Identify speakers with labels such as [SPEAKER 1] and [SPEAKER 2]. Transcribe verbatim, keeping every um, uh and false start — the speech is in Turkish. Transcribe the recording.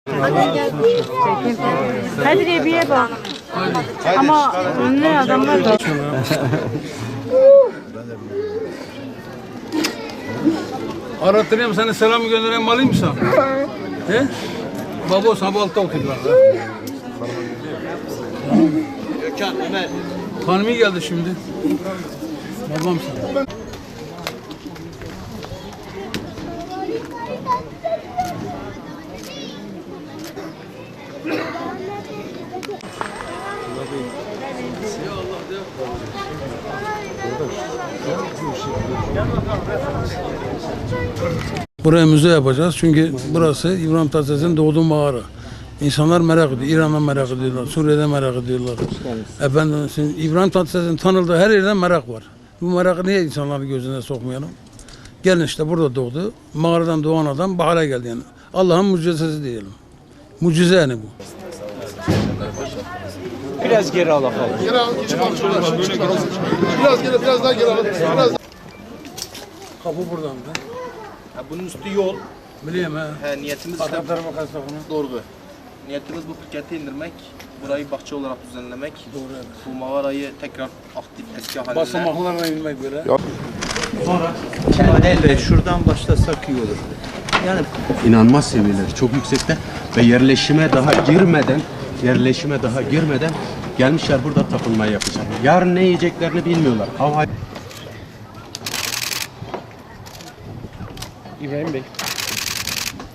[SPEAKER 1] Hadi bir bak. Ama ne adamlar da.
[SPEAKER 2] Arattırayım seni, selam göndereyim, alayım mı sen? He? Baba sabah altta okuyorlar.
[SPEAKER 3] Gökhan, Ömer.
[SPEAKER 2] Hanımı geldi şimdi. Babam sana. Buraya müze yapacağız çünkü burası İbrahim Tatlıses'in doğduğu mağara. İnsanlar merak ediyor, İran'dan merak ediyorlar, Suriye'den merak ediyorlar. Efendim, İbrahim Tatlıses'in tanıldığı her yerden merak var. Bu merakı niye insanların gözüne sokmayalım? Gelin işte burada doğdu, mağaradan doğan adam bu hale geldi yani. Allah'ın mucizesi diyelim. Mucize yani bu.
[SPEAKER 3] Biraz geri alalım.
[SPEAKER 4] Geri al, çıkar, çıkar, çıkar. Biraz geri, biraz daha geri al. Biraz
[SPEAKER 2] Kapı buradan da.
[SPEAKER 3] Ha, bunun üstü yol.
[SPEAKER 2] Biliyorum ha.
[SPEAKER 3] He, niyetimiz işte,
[SPEAKER 2] Arka tarafa kaçta bunu.
[SPEAKER 4] doğru be.
[SPEAKER 3] niyetimiz bu Phuket'e indirmek, burayı bahçe olarak düzenlemek.
[SPEAKER 2] Doğru evet.
[SPEAKER 3] Bu mağarayı tekrar aktif eski haline.
[SPEAKER 2] Basamaklarla inmek böyle.
[SPEAKER 3] Sonra Kendel şuradan başlasak iyi olur. Yani
[SPEAKER 5] İnanılmaz seviyeleri çok yüksekte ve yerleşime daha girmeden yerleşime daha girmeden gelmişler burada tapınmayı yapacak. Yarın ne yiyeceklerini bilmiyorlar. Hava
[SPEAKER 3] İbrahim Bey.